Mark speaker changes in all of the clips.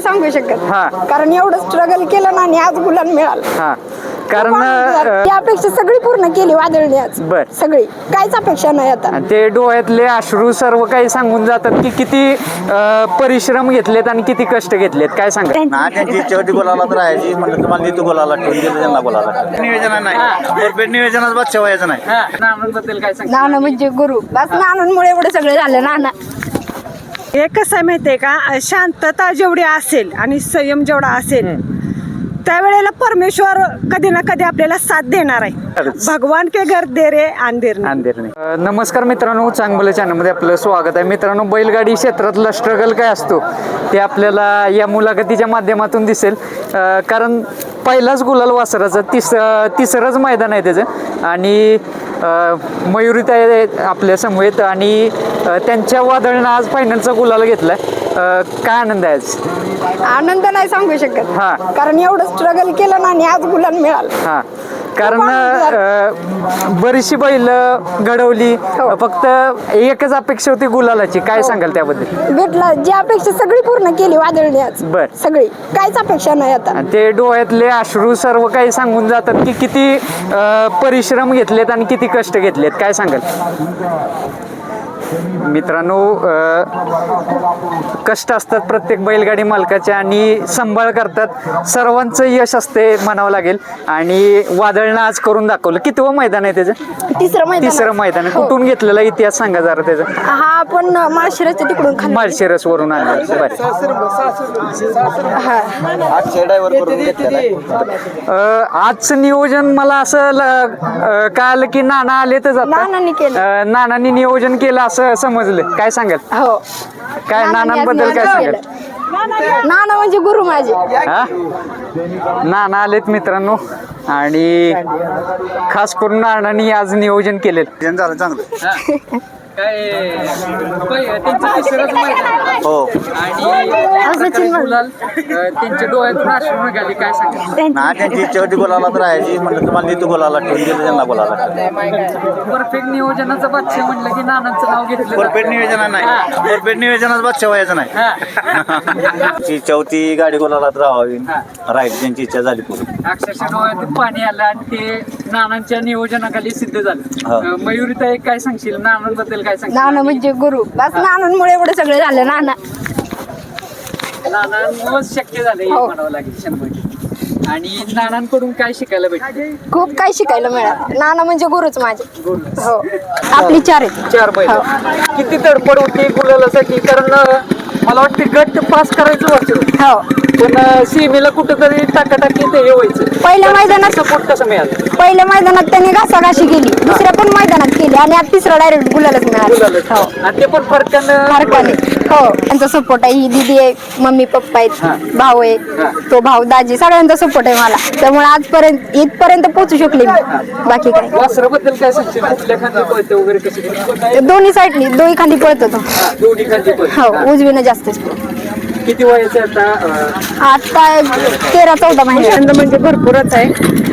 Speaker 1: सांगू शकत
Speaker 2: हा.
Speaker 1: कारण एवढं स्ट्रगल केलं ना आणि आज गुलाल मिळाला.
Speaker 2: हा कारण
Speaker 1: ती अपेक्षा सगळी पूर्ण केली वादळने आज.
Speaker 2: बर.
Speaker 1: सगळी काहीच अपेक्षा नाही आता.
Speaker 2: आणि ते डोळ्यातले अश्रू सर्व काही सांगून जातात की किती परिश्रम घेतलेत आणि किती कष्ट घेतलेत. काय सांगा
Speaker 3: ना त्यांची शेवटी बोलायला तर राहायची म्हणलं तुम्हाला देतो बोलायला ठेवून दिलं त्यांना बोलायला नियोजन नाही परफेक्ट नियोजनात बस ठेवायचं नाही.
Speaker 2: नानांबद्दल काय सांगा
Speaker 1: नाना म्हणजे गुरु बस नानांमुळे एवढं सगळं झालं. नाना
Speaker 4: हे कसं आहे माहितीये का, शांतता जेवढी असेल आणि संयम जेवढा असेल त्यावेळेला परमेश्वर कधी ना कधी आपल्याला साथ देणार आहे. भगवान के घर दे रे अंधेर नाही.
Speaker 2: नमस्कार मित्रांनो, चांगलं चॅनलमध्ये आपलं स्वागत आहे. मित्रांनो, बैलगाडी क्षेत्रातला स्ट्रगल काय असतो ते आपल्याला या मुलाखतीच्या माध्यमातून दिसेल. कारण पहिलाच गुलाल वासराचं तिसरंच मैदान आहे त्याचं आणि मयुरीताई आपल्या समवेत आणि त्यांच्या वादळानं आज फायनलचा गुलाल घेतलाय. काय आनंद आहे आज?
Speaker 1: आनंद नाही सांगू शकत
Speaker 2: हा.
Speaker 1: कारण एवढं स्ट्रगल केलं ना आणि आज गुलाल मिळाला.
Speaker 2: हा कारण बरीचशी बैल घडवली, फक्त एकच अपेक्षा होती गुलालाची. काय सांगाल त्याबद्दल?
Speaker 1: भेटला जी अपेक्षा सगळी पूर्ण केली वादळने आज.
Speaker 2: बर.
Speaker 1: सगळी काहीच अपेक्षा नाही आता.
Speaker 2: आणि ते डोळ्यातले अश्रू सर्व काही सांगून जातात की किती परिश्रम घेतलेत आणि किती कष्ट घेतलेत. काय सांगाल मित्रांनो? कष्ट असतात प्रत्येक बैलगाडी मालकाचे आणि सांभाळ करतात. सर्वांचं यश असते म्हणावं लागेल. आणि वादळनं आज करून दाखवलं. कितवं मैदान आहे त्याचं? तिसरं मैदान. कुठून घेतलेला इतिहास सांगा जरा त्याचा.
Speaker 1: हा आपण माळशिरसच्या तिकडून खाली.
Speaker 2: माळशिरस वरून आणलं. आजचं नियोजन मला असं कळालं की नाना आले तर
Speaker 1: नानांनी केलं.
Speaker 2: नानांनी नियोजन केलं असं समजलं. काय सांगाल?
Speaker 1: हो.
Speaker 2: काय नानांबद्दल काय सांगाल?
Speaker 1: नाना म्हणजे गुरु माझे.
Speaker 2: हा नाना आलेत मित्रांनो आणि खास करून नानांनी आज नियोजन केलेलं.
Speaker 3: झालं चांगलं. हो
Speaker 2: त्यांच्या डोळ्यातून अश्रू निघाले. काय सांगा
Speaker 3: ना त्यांची शेवटी बोलायला तर राहायची म्हणलं तुम्हाला देतो बोलायला ठेवून दिलं त्यांना बोलायला
Speaker 2: परफेक्ट नियोजनाचा बादशाह म्हणलं की नानांचं नाव घेतलं.
Speaker 3: परफेक्ट नियोजन नाही परफेक्ट नियोजनात बस ठेवायचं नाही. चौथी गाडी बोलायला तर राहावी राहील त्यांची इच्छा झाली पूर्ण.
Speaker 2: अक्षरशः डोळ्यातून पाणी आलं आणि ते नानांच्या नियोजनाखाली सिद्ध झालं. मयुरीताई काय सांगशील नानांबद्दल? काय सांगशील?
Speaker 1: नाना म्हणजे गुरु बस नानांमुळे एवढं सगळं झालं.
Speaker 2: नानांमुळेच शक्य झालं हे म्हणावं लागेल 100%. आणि नानांकडून काय शिकायला भेटलं?
Speaker 1: खूप काही शिकायला मिळालं. नाना म्हणजे गुरुच माझे. हो. आपली 4 आहेत.
Speaker 2: 4 बैल. किती तडपड होती गुलालासाठी? कारण मला वाटते गट पास करायचं वाटतं.
Speaker 1: हो.
Speaker 2: पण सीमेला कुठंतरी टाकाटाकी ते हे व्हायचं.
Speaker 1: पहिल्या मैदानात
Speaker 2: सपोर्ट कसं मिळालं?
Speaker 1: पहिल्या मैदानात त्यांनी घासाघाशी केली, दुसऱ्या पण मैदानात केली आणि आज तिसरा डायरेक्ट गुलालच मिळाला. हो.
Speaker 2: आणि ते पण फरकानं
Speaker 1: हो. त्यांचा सपोर्ट आहे. ही दीदी आहे, मम्मी पप्पा आहेत, भाऊ आहे, तो भाऊ दाजी, सगळ्यांचा सपोर्ट आहे मला. त्यामुळे आजपर्यंत इथपर्यंत पोहोचू शकले मी. बाकी काय
Speaker 2: वासराबद्दल काय सांगशील? कुठल्या खांदी पळते वगैरे कसं?
Speaker 1: दोन्ही साईडनी दोन्ही खांदी पळतो तो.
Speaker 2: दोन्ही खांदी पळते.
Speaker 1: हो. उजवीनं जास्त.
Speaker 2: किती वयाचं आता?
Speaker 1: आता 13-14 महिने.
Speaker 4: म्हणजे भरपूरच आहे.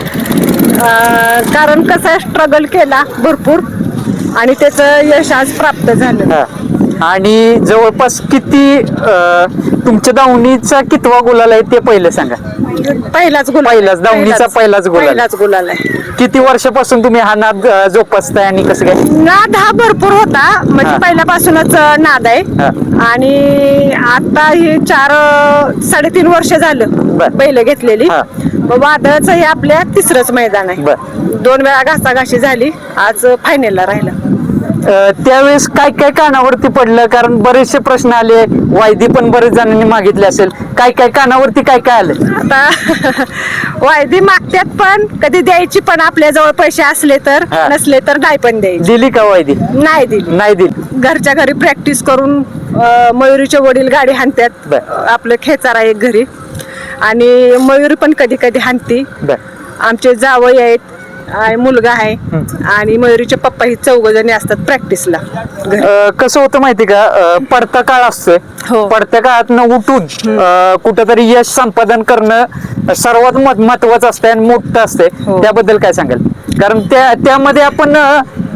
Speaker 4: कारण कसं आहे, स्ट्रगल केला भरपूर आणि त्याचं यश आज प्राप्त झालं.
Speaker 2: आणि जवळपास किती तुमच्या दावणीचा कितवा गुलाल आहे ते पहिलं सांगा.
Speaker 4: पहिलाच
Speaker 2: दावणीचा पहिलाच
Speaker 4: गुलाल आहे.
Speaker 2: किती वर्षापासून तुम्ही हा नाद जोपासताय आणि कसं काय?
Speaker 4: नाद हा भरपूर होता, म्हणजे पहिल्यापासूनच नाद आहे. आणि आता ही 4-3.5 वर्ष झालं बैल घेतलेली. वादळाचं हे आपल्या तिसरंच मैदान आहे. 2 वेळा घासाघाशी झाली, आज फायनलला राहिलं.
Speaker 2: त्यावेळेस काय काय कानावरती पडलं? कारण बरेचसे प्रश्न आले, वायदी पण बरेच जणांनी मागितले असेल. काय काय कानावरती काय काय आलं?
Speaker 4: आता वायदी मागतात पण कधी द्यायची, पण आपल्या जवळ पैसे असले तर, नसले तर नाही पण द्यायची.
Speaker 2: दिली का वायदी?
Speaker 4: नाही दिली. घरच्या घरी प्रॅक्टिस करून मयुरीचे वडील गाडी हाणतात. आपलं खेचारा एक घरी आणि मयुरी पण कधी कधी हाणती. आमचे जावई आहेत, मुलगा आहे आणि मयुरीचे पप्पा ही 4 जणी असतात प्रॅक्टिसला.
Speaker 2: कसं होतं माहिती का, पडता काळ असतोय. पडत्या काळातनं उठून कुठंतरी यश संपादन करणं सर्वात महत्वाचं असतंय आणि मोठं असतंय. त्याबद्दल काय सांगाल? कारण त्यामध्ये आपण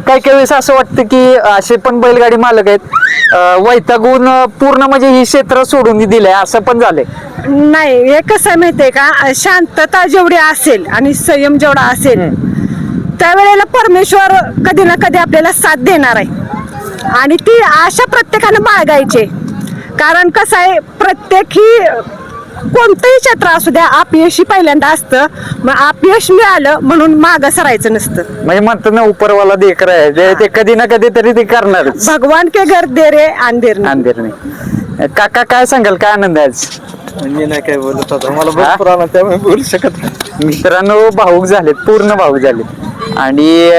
Speaker 2: काही काही वेळेस असं वाटतं की असे पण बैलगाडी मालक आहेत वैतागून पूर्ण म्हणजे ही क्षेत्र सोडून दिलंय असं पण झालंय.
Speaker 4: नाही, हे कसं आहे माहितीये का, शांतता जेवढी असेल आणि संयम जेवढा असेल त्यावेळेला परमेश्वर कधी ना कधी आपल्याला साथ देणार आहे आणि ती आशा प्रत्येकानं बाळगायची. कारण कसं आहे, प्रत्येक ही कोणतंही क्षेत्र असू द्या, अपयशी पहिल्यांदा असतं. मग अपयश मिळालं म्हणून मागं सरायचं नसतं.
Speaker 2: म्हणजे म्हणतात ना उपरवाला देकर आहे ते कधी ना कधी तरी ते करणारच.
Speaker 4: भगवान के घर दे रे अंधेर नहीं.
Speaker 2: अंधेर नाही. काका काय सांगाल, काय आनंद आहे आज?
Speaker 5: मी नाही काय बोलत होता, मला भरपूर आला त्यामुळे बोलू शकत नाही.
Speaker 2: मित्रांनो भाऊक झालेत, पूर्ण भाऊक झालेत. आणि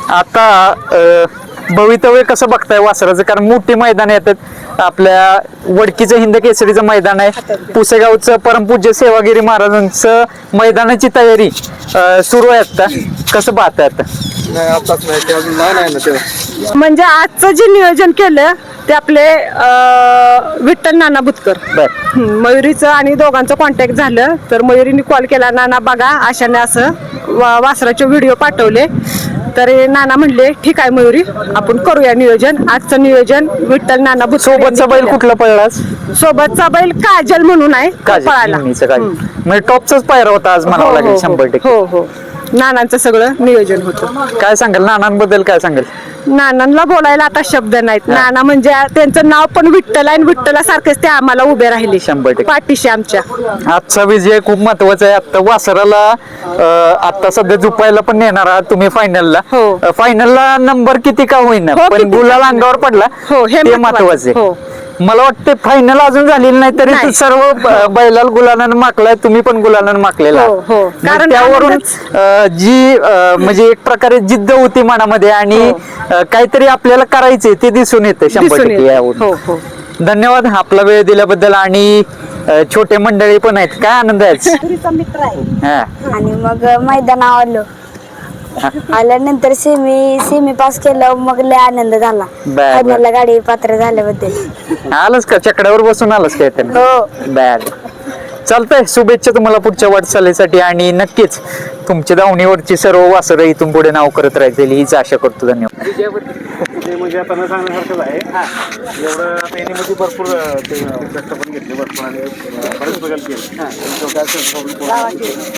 Speaker 2: आता भवितव्य कसं बघताय वासराचं? कारण मोठी मैदान येतात, आपल्या वडकीचं हिंद केसरीचं मैदान आहे, पुसेगावचं परमपूज्य सेवागिरी महाराजांचं मैदानाची तयारी सुरू आहे. आता कसं पाहताय आता?
Speaker 5: नाही आताच नाही, ते अजून लहान आहे ना ते.
Speaker 4: म्हणजे आजचं जे नियोजन केलं ते आपले विठ्ठल नाना बुतकर.
Speaker 2: बर.
Speaker 4: मयुरीचं आणि दोघांचं कॉन्टॅक्ट झालं तर मयुरीने कॉल केला, नाना बघा आशाने असं वासराचे व्हिडिओ पाठवले. तर नाना म्हणले ठीक आहे मयुरी, आपण करूया नियोजन. आजचं नियोजन विठ्ठल नाना बुतकर
Speaker 2: सोबतचा बैल कुठला पळलास?
Speaker 4: सोबतचा बैल काजल म्हणून आहे, पळाला.
Speaker 2: म्हणजे टॉपचाच पायरा होता आज म्हणावं लागेल 100%.
Speaker 4: हो हो, नानांचं सगळं नियोजन होतं.
Speaker 2: काय सांगाल नानांबद्दल, काय सांगाल?
Speaker 4: नानांना बोलायला आता शब्द नाहीत. नाना म्हणजे त्यांचं नाव पण विठ्ठल आहे आणि विठ्ठलासारखेच ते आम्हाला उभे राहिले
Speaker 2: 100%
Speaker 4: पाठीशी आमच्या.
Speaker 2: आजचा विजय खूप महत्वाचा आहे. आता वासराला आता सध्या झुपायला पण नेणार आहात तुम्ही फायनलला.
Speaker 4: हो.
Speaker 2: फायनलला नंबर किती का होईना
Speaker 4: हो,
Speaker 2: पण
Speaker 4: किती
Speaker 2: गुलाल
Speaker 4: का
Speaker 2: अंगावर पडला
Speaker 4: हो, हे
Speaker 2: ते
Speaker 4: महत्वाचं.
Speaker 2: महत्वाचं
Speaker 4: हो.
Speaker 2: आहे. मला वाटतं फायनल अजून झालेली नाही तरी
Speaker 4: नाही.
Speaker 2: ते सर्व बैलाला गुलालानं माकलाय, तुम्ही पण गुलालानं माकलेला
Speaker 4: हो, हो.
Speaker 2: आहात. मग
Speaker 4: कारण
Speaker 2: त्यावरून जी म्हणजे एक प्रकारे जिद्द होती मनामध्ये आणि काहीतरी आपल्याला करायचंय ते दिसून येतं 100%
Speaker 4: येतं.
Speaker 2: यावरून.
Speaker 4: हो हो.
Speaker 2: धन्यवाद आपला वेळ दिल्याबद्दल. आणि छोटे मंडळी पण आहेत, काय आनंद आहे आज? हा.
Speaker 1: आणि मग मैदान आवडलं. आल्यानंतर सेमी पास केलं, मग लय आनंद झाला.
Speaker 2: बर.
Speaker 1: फायनलला गाडी पात्र झाल्याबद्दल.
Speaker 2: आलंच का चकड्यावर बसून आलंच काय त्यांना?
Speaker 1: हो.
Speaker 2: बर, चालतंय. शुभेच्छा तुम्हाला पुढच्या वाटचालीसाठी आणि नक्कीच तुमच्या दावणीवरची सर्व वासरं इथून पुढे नाव करत राहतील हीच आशा करतो. धन्यवाद.
Speaker 5: ते म्हणजे आता न सांगण्यासारखंच आहे. एवढं आता यांनी म्हणजे भरपूर ते कष्ट पण घेतले भरपूर आणि बरेच बघायला केले.